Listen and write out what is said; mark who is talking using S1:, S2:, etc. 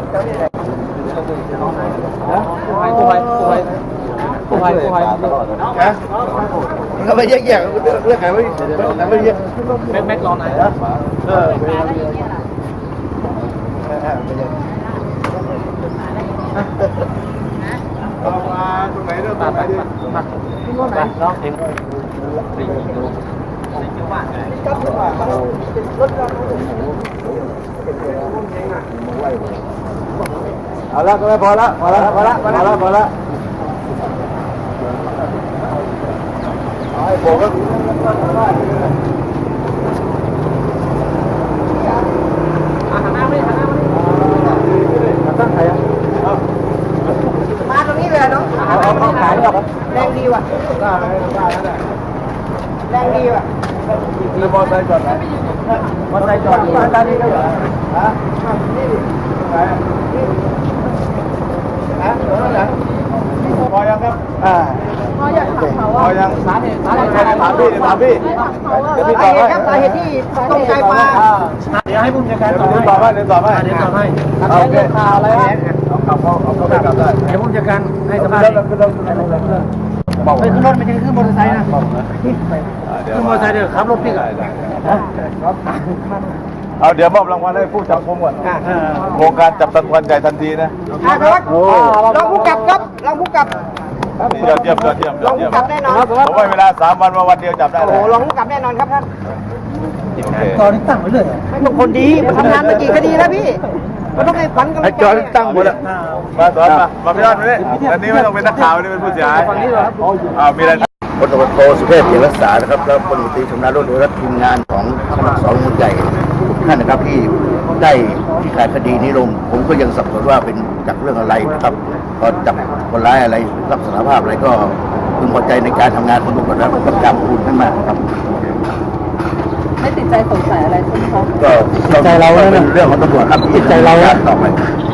S1: นะมันก็ไม่แยกเรื่องไหนไม่แยก
S2: แม็กลองไหน
S1: เอามาตรงไหนเริ่มตรงไหนดิมาที่โน่นไหนเนาะเองเอาละก็ไม่พอละพอละไอ้โบก็ตั้งใครอ่ะ
S3: มาตรงนี้เลยเนาะ
S1: เอาขายหรอ
S3: แรงดีว่ะแรงดีว่ะ
S1: มีมอเตอร์ไซค์จอดไหนมอเตอร์ไซค์จอดอยู่ตอนนี้ก็เหรอฮะนี่ไหนฮะไหนพอยังครับ
S3: พออยากถามเขาว่า
S1: พอยังถามพี่
S3: สาเหตุครับสาเหตุที่ตรงใจปลา
S2: เดี๋ยวให้ผู้จัดการ
S1: เดี๋ยวตอบให้
S2: เดี๋ยวตอบให้
S1: โอเคข่าวอะไรฮะเอาไปกลับได้
S2: เดี๋ยวผู้จัดการให้สบาย
S1: ขึ้นรถ
S2: ไม่ใช่ขึ้นมอเตอร์ไซค์นะขึ้นมอเตอร์ไซค์เดี๋ยวขับรถพี่ก่อน
S1: เอาเดี๋ยวมอบรางวัลให้ผู้จับกุมก่อนโครงการจับตะวันใหญ่ทันทีนะครับ
S3: ลองผู้กับครับลองผู้กับ
S1: ยอดเยี่ยม
S3: ลองผู้กับแน่นอน
S1: ผมให้เวลา3 วันมาวันเดียวจับได้
S3: โอ้โหลองผู้กับแน่นอนครับท่าน
S2: ตอนนี้ตั้งไว้เลย
S3: ไม่ต้องคนดีมันทำงานมากี่คดีแล้วพี่มันต้องให้ฝันกัน
S1: ไอ้จอตั้งหมดแล้วมาสอนมาพี่ยอดมาดิอันนี้ไม่ต้องเป็นนักข่าวนี่เป็นผู้เสียหายมีอะไรพลตำรวจโทสุเทพเกียรติรักษานะครับแล้วพลตำรวจตรีชำนาญรุ่งโรจน์และทีมงานของสำนักสอบสวนใหญ่ทุกท่านนะครับที่ได้ที่ขายคดีนี้ลงผมก็ยังสับสนว่าเป็นจากเรื่องอะไรนะครับพอจับคนร้ายอะไรรับสารภาพอะไรก็พึงพอใจในการทำงานของตำรวจแล้วก็จำคุณขึ้นมาครับ
S4: ไม่ติดใจสงสัยอะไรใช่ไหมคะ
S1: ก็ใจเราเป็นเรื่องของตำรวจครับติดใจเราต่อไป